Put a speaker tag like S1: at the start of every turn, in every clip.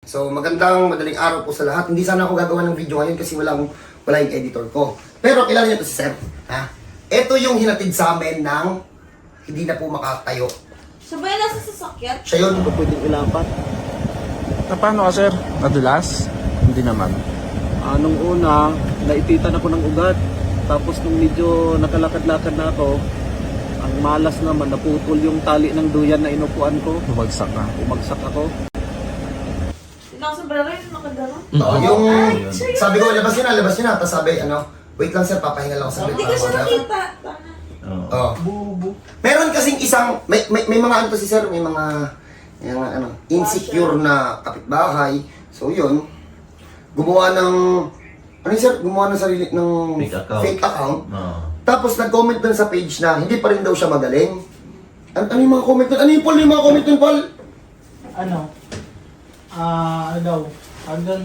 S1: So magandang madaling araw po sa lahat. Hindi sana ako gagawa ng video ngayon kasi wala yung editor ko. Pero kilala niyo to si Sir. Ha? Ito yung hinatid sa amin ng hindi na po makatayo.
S2: Sabay na sa sasakyan?
S1: Siya yun.
S3: Ito pwedeng ilapat.
S4: Paano ka, sir? Nadulas? Hindi naman.
S3: Nung una, naititan ako ng ugat. Tapos nung medyo nakalakad-lakad na ako, ang malas naman, naputol yung tali ng duyan na inupuan ko.
S4: Bumagsak ka.
S3: Umagsak ako.
S2: Sinakasombrero yung nakagano'n?
S1: Yung sabi ko, labas yun na. Tapos sabi, wait lang sir, papahinga lang ako saglit.
S2: Hindi ko siya nakita.
S1: Oh. Meron kasing isang, may mga ano to si sir, may mga insecure na kapitbahay. So yun, gumawa ng, gumawa ng sarili ng fake account. Tapos nag-comment dun sa page na hindi pa rin daw siya magaling. Ano yung mga comment dun? Ano yung mga comment dun, Paul?
S5: Ano daw? Hanggang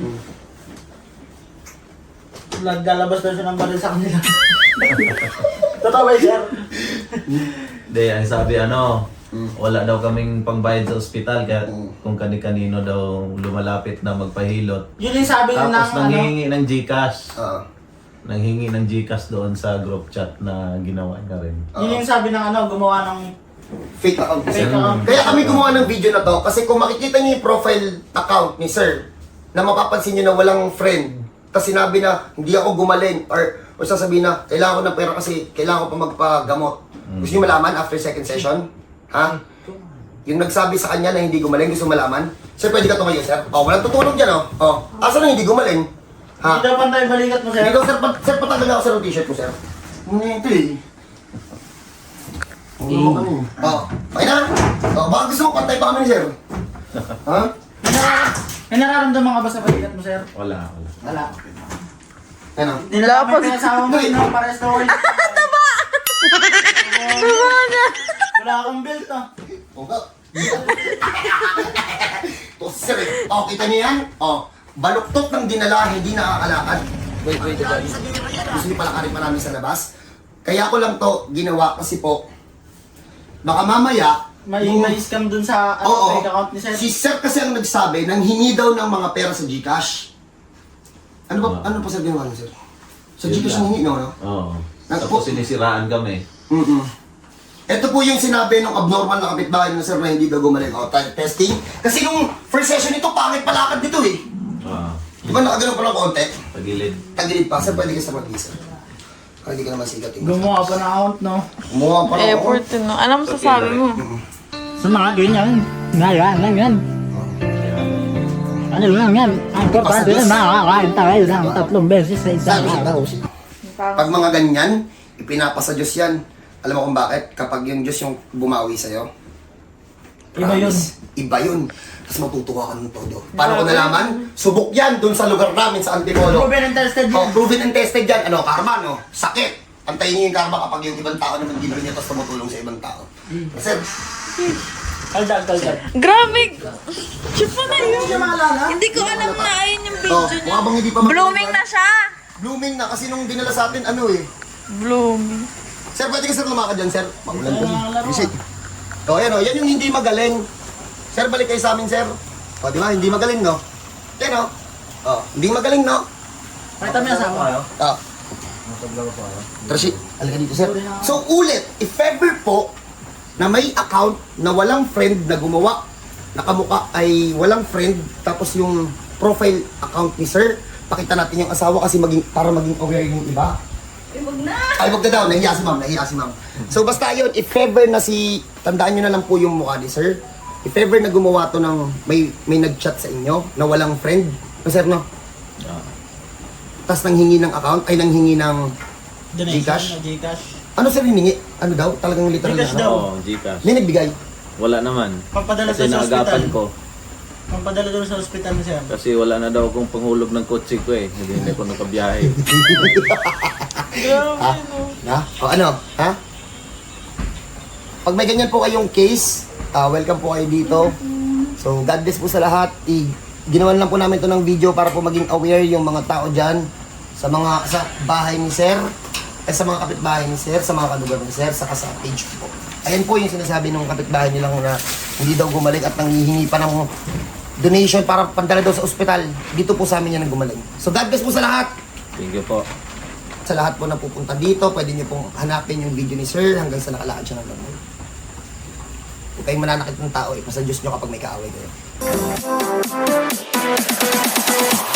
S5: naglalabas daw siya ng baril sa kanila. Totoo ba, sir?
S6: Hindi, ang sabi wala daw kaming pangbayad sa ospital kaya kung kani-kanino daw lumalapit na magpahilot.
S5: Yun yung sabi ng
S6: Tapos nanghihingi ng GCash.
S1: Oo.
S6: Nanghingi ng GCash doon sa group chat na ginawa niya rin.
S5: Yun yung sabi ng gumawa ng
S1: Fake account.
S5: fake account.
S1: Kaya kami gumawa ng video na to kasi kung makikita niyo yung profile account ni sir na mapapansin niyo na walang friend tapos sinabi na hindi ako gumaling or sasabihin na kailangan ko ng pera kasi kailangan ko pa magpagamot. Gusto niyo malaman after second session? Ha? Yung nagsabi sa kanya na hindi gumaling, gusto malaman? Sir, pwede ka tumayo, sir? Walang tutulog dyan, asa na hindi gumaling? Ha?
S5: Hindi daw pantay balikat mo, sir.
S1: Hindi daw, sir, patanggal ako, sir, ng t-shirt ko, sir. Ito eh. Okay na? Baka gusto mo pantay pa kami ni sir? Ha?
S5: May nararamdaman ka ba sa balikat mo, sir?
S6: Wala.
S5: Wala.
S1: Ano?
S5: Nilalapit ka sa mo, pares na oil. Taba! Taba na! Wala kang belt,
S1: Okay. Ito, sir eh. Kita niyo yan? Baluktot ng dinala, hindi nakakalakad. Wait, gusto niyo palakarin pa namin sa labas? Kaya ko lang to ginawa kasi po, baka mamaya,
S5: May scam dun sa fake account ni sir.
S1: si sir kasi ang nagsabi, nang hingi daw ng mga pera sa GCash. Ano pa sir ginawa niyo, sir? Sa GCash ang hingi, no?
S6: Oo. Tapos sinisiraan kami.
S1: Ito po yung sinabi ng abnormal na kapitbahay na sir na hindi daw gumaling. Testing. Kasi nung first session nito, pangit palakad dito eh. Di ba nakagano'n pa ng konti?
S6: Pagilid.
S1: Tagilid pa, sir, pwede ka sa mag-isa. Hindi ka naman sigatin.
S5: Gumawa pa ng account, no?
S1: Gumawa pa ng
S2: Effort no. Alam mo sasabi mo.
S5: Sa mga ganyan, ngayon lang yan. Ano lang yan? Ang importante na makakain tayo ng 3 beses sa isang araw.
S1: Pag mga ganyan, ipinapasa Diyos yan. Alam mo kung bakit? Kapag yung Diyos yung bumawi sa'yo,
S5: Iba yun.
S1: Iba yun. Tapos matutuwa ka ng todo. Paano ko nalaman? Subok yan dun sa lugar namin sa Antipolo.
S5: Proven and tested yun.
S1: Proven and tested yan. Karma, no? Sakit. Antayin niyo yung karma kapag yung ibang tao naman libre niya tapos tumutulong sa ibang tao. Sir,
S5: Kaldag.
S2: Grabe! Shoot mo na yun. Hindi ko alam na ayun yung video niya.
S1: mukha bang hindi pa
S2: Blooming na siya.
S1: Blooming na kasi nung dinala sa atin,
S2: Blooming.
S1: Sir, pwede ka sir lumakad dyan, sir? Magulan ka. Visit. Yan yung hindi magaling. Sir, balik kayo sa amin, sir. Di ba? Hindi magaling, no? Yan, hindi magaling, no?
S5: Pakita mo yung asawa.
S1: Tracy, alika dito, sir. So, ulit, if ever po na may account na walang friend na gumawa, nakamuka ay walang friend, tapos yung profile account ni sir, pakita natin yung asawa kasi para maging aware yung iba.
S2: Huwag na.
S1: Ay, wag na daw. Nahiya si ma'am. So, basta yun, if ever na tandaan nyo na lang po yung mukha ni sir. If ever na gumawa to ng, may nag-chat sa inyo na walang friend, sir, no? Tapos nanghingi ng account, ay nanghingi ng GCash?
S5: Gcash.
S1: Ano sir hiningi? Ano daw? Talagang literal
S5: GCash
S1: na?
S5: daw.
S6: Oo, GCash.
S1: May nagbigay.
S6: Wala naman.
S5: Pampadala
S6: Kasi
S5: doon sa
S6: naagapan
S5: ospital.
S6: ko.
S5: Pampadala doon sa ospital ni sir.
S6: Kasi wala na daw akong panghulog ng kotse ko eh. Hindi ako nakabiyahe.
S1: Ha? O ano? Ha? Pag may ganyan po kayong case, welcome po kayo dito. So, God bless po sa lahat. Ginawan lang po namin to ng video para po maging aware yung mga tao dyan sa bahay ni Sir, sa mga kapitbahay ni Sir, sa mga kalugar ni Sir, saka sa page po. Ayan po yung sinasabi ng kapitbahay nilang na hindi daw gumaling at nanghihingi pa ng donation para pandala daw sa ospital. Dito po sa amin yan ang gumaling. So God bless po sa lahat.
S3: Thank you po.
S1: Sa lahat po na pupunta dito, pwede nyo pong hanapin yung video ni Sir hanggang sa nakalakad siya ng gamot. Huwag kayong mananakit ng tao, ipasa Diyos nyo kapag may kaaway kayo.